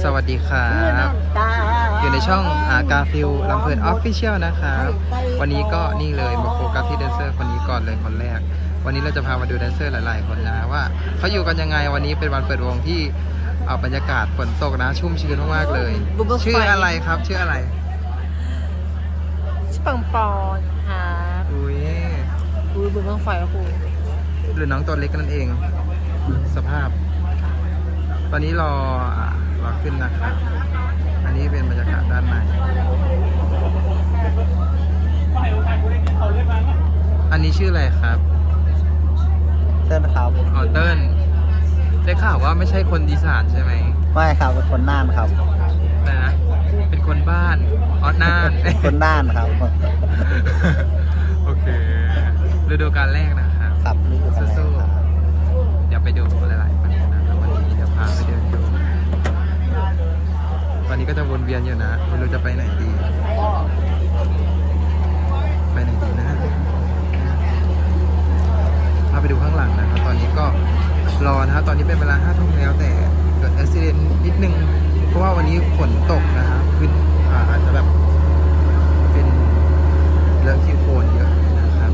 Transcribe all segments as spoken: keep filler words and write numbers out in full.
สวัสดีครับอยู่ในช่องอากาฟิลลำเพลินออฟฟิเชียลนะครับวันนี้ก็นี่เลยมาโฟกัสที่แดนเซอร์คนนี้ก่อนเลยคนแรกวันนี้เราจะพามาดูแดนเซอร์หลายๆคนนะว่าเขาอยู่กันยังไงวันนี้เป็นวันเปิดวงที่เอาบรรยากาศฝนตกนะชุ่มชื้นมากๆเลยชื่ออะไรครับชื่ออะไรชื่อปังปอนครับอุ้ยอุ้ยบุญเมืองไฟครับครูหรือน้องตัวเล็กนั่นเองสภาพตอนนี้รอรอขึ้นนะครับอันนี้เป็นบรรยากาศด้านในอันนี้ชื่ออะไรครับเติ้ลครับอ๋อเติ้ลได้ข่าวว่าไม่ใช่คนอีสานใช่ไหมไม่ครับเป็นคนน่านครับอะไรนะเป็นคนบ้านอ๋อน่านคนน่านครับโอเคฤดูกาลแรกนะครับครับฤดูกาลแรกครับเดี๋ยวไปดูหลายๆคนนะวันนี้เดี๋ยวพาไปเดินดูตอนนี้ก็จะวนเวียนอยู่นะไม่รู้จะไปไหนดีไปไหนดีนะพาไปดูข้างหลังนะครับตอนนี้ก็รอนะครับตอนนี้เป็นเวลาห้าทุ่มแล้วแต่เกิดอุบัติเหตุนิดนึงเพราะว่าวันนี้ฝนตกนะครับขึ้นอาจจะแบบเป็นเรื่องที่โคลนเยอะนะครับ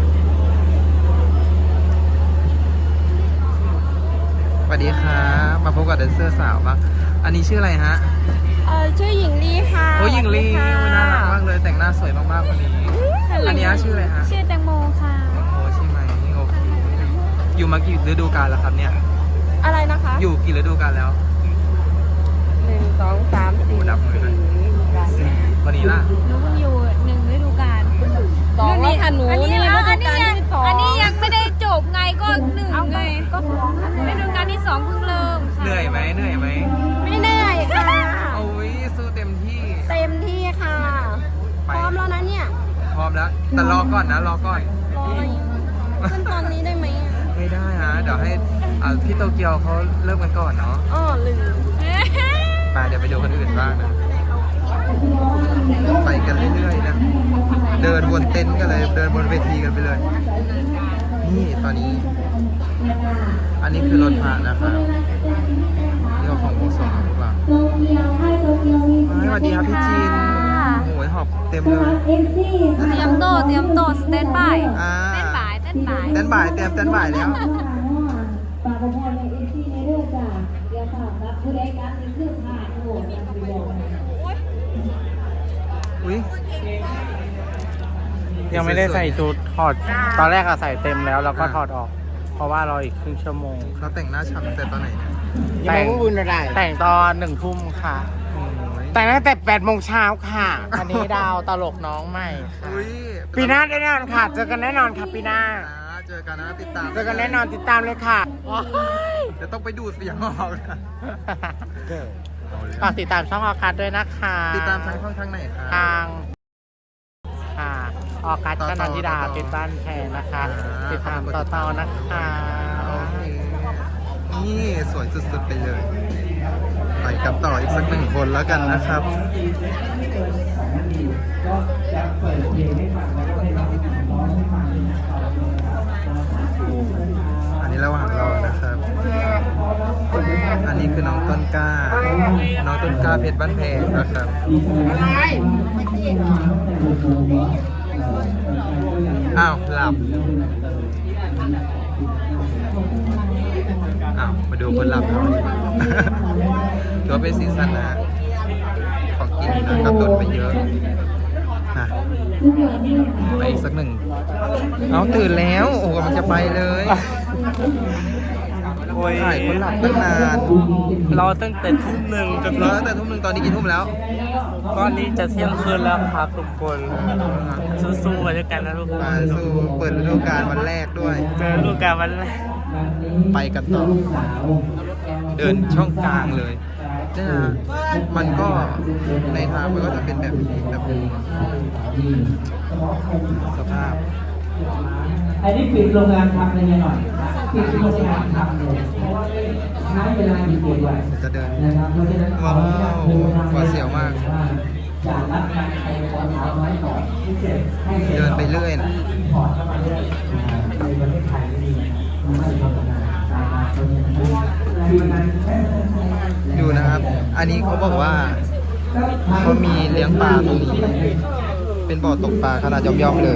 สวัสดีครับมาพบกับแดนเซอร์สาวบ้างอันนี้ชื่ออะไรฮะเออชื่อหญิงลีค่ะโอ้หญิงลีน่ารักมากเลยแต่งหน้าสวยมากๆวันนี้อันนี้ชื่ออะไรฮะชื่อแตงโมค่ะแตงโมใช่ไหมโอเคอยู่มากี่ฤดูกาลแล้วครับเนี่ยอะไรนะคะอยู่กี่ฤดูกาลแล้วหนึ่งสองสามสี่ดับมือเลยสี่วันนี้ล่ะหนูเพิ่งอยู่หนึ่งฤดูกาลสองนี่ค่ะหนูอันนี้ฤดูกาลที่สองอันนี้ยังไม่ได้จบไงก็หนึ่งไงก็ฤดูกาลที่สองเพิ่งเริ่มเหนื่อยไหมเหนื่อยไหมไม่เหนื่อยค่ะโอ้ยสู้เต็มที่เต็มที่ค่ะพร้อมแล้วนะเนี่ยพร้อมแล้วแต่รอก่อนนะรอก่อนรอขึ้นตอนนี้ได้ไหมไม่ได้ฮะเดี๋ยวให้พี่โตเกียวเขาเริ่มกันก่อนเนาะอ๋อลืมไปเดี๋ยวไปดูคนอื่นบ้างนะไปกันเรื่อยๆนะเดินบนเต็นท์กันเลยเดินบนเวทีกันไปเลยนี่ตอนนี้อันนี้คือรถพระนะครับนี่เราของวงสองหรือเปล่าสวัสดีครับพี่จีนโอ้ยหอบเต็มเลยเตรียมโต๊ะเตรียมโต๊ะสแตนบายเต้นบ่ายเต้นบ่ายเต้นบ่ายเตรียมเต้นบ่ายแล้วอุ้ยยังไม่ได้ใส่ชุดถอดตอนแรกอะใส่เต็มแล้วแล้วก็ถอดออกเพราะว่ารออีกครึ่งชั่วโมงเขาแต่งหน้าฉ่ำแต่ตอนไหนเนี่ยแต่งแต่งตอนหนึ่งทุ่มค่ะแต่งตั้งแต่แปดโมงเช้าค่ะอันนี้ดาวตลกน้องใหม่ค่ะปีหน้าแน่นอนค่ะเจอกันแน่นอนค่ะปีหน้าเจอกันนะติดตามเจอกันแน่นอนติดตามเลยค่ะจะต้องไปดูเสียงออกนะฝากติดตามช่องออกัสด้วยนะคะติดตามทางช่องทางไหนคะทางค่ะออกัสกนันทิดาเป็นบ้านแพรนะคะติดตามต่อต่อนะคะนี่สวยสุดๆไปเลยไปกับต่ออีกสักหนึ่งคนแล้วกันนะครับอันนี้ระหว่างรอนะครับอันนี้คือน้องต้นกล้าน้องต้นกล้าเพชรบ้านแพงนะครับอ้าวหลับอ้าวมาดูคนหลับเราดีกว่าถือว่าเป็นซีซั่นนะของกินนะกระตุ้นไปเยอะนะไปอีกสักหนึ่งเอาตื่นแล้วโอ้มันจะไปเลยถ่ายคนหลับตั้งนานรอตั้งแต่ทุ่มหนึ่งจนรอตั้งแต่ทุ่มหนึ่งตอนนี้กี่ทุ่มแล้วตอนนี้จะเที่ยงคืนแล้วครับทุกคนสู้ๆไปด้วยกันนะทุกคนสู้เปิดฤดูกาลวันแรกด้วยเจอฤดูกาลวันแรกไปกันต่อเดินช่องกลางเลยนี่นะมันก็ในทางมันก็จะเป็นแบบนี้แบบสภาพอันนี้ปิดโรงงานทำเลยหน่อยปิดโรงงานทำเลยใช้เวลาอยู่เดือนจะเดินว้าวหวาดเสียวมากเดินไปเรื่อยนะดูนะครับอันนี้เขาบอกว่าเขามีเลี้ยงปลาตรงนี้ เป็นบ่อตกปลาขนาดย่อมๆเลย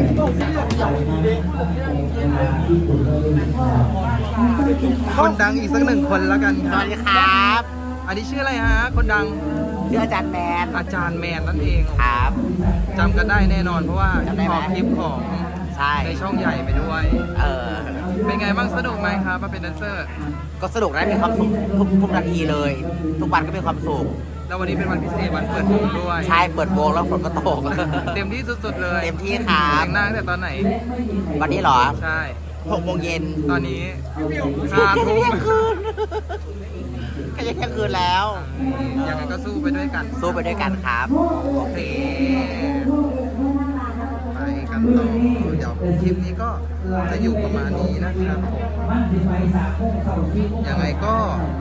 คนดังอีกสักหนึ่งคนแล้วกันคสรับวัสดีครับอันนี้ชื่ออะไรฮะ คนดังชื่ออาจารย์แมนอาจารย์แมนนั่นเองครับจำกันได้แน่นอนเพราะว่าจำได้ไหมออกคลิปของใช่ในช่องใหญ่ไปด้วยเออเป็นไงบ้างสนุกไหมครับมาเป็นแดนเซอร์ก็สนุกนะมีความสุขทุกทุกนาทีเลย ทุกวันก็มีความสุขแล้ววันนี้เป็นวันพิเศษวันเปิดวงด้วยใช่เปิดวงแล้วฝนก็ตกเต็มที่สุดๆเลยเต็มที่ครับแต่งหน้าตั้งแต่ตอนไหนวันนี้เหรอใช่หกโมงเย็นตอนนี้ห้าทุ่มก็จะเที่ยงคืนแล้วยังไงก็สู้ไปด้วยกันสู้ไปด้วยกันครับโอเค ไปกันต่อ เดี๋ยวคลิปนี้ก็จะอยู่ประมาณนี้นะครับผม ยังไงก็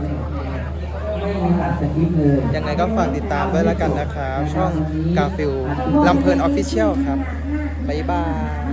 ยังไงก็ฝากติดตามด้วยแล้วกันนะครับ ช่องกาฟิลลำเพลินออฟฟิเชียลครับ บ๊ายบาย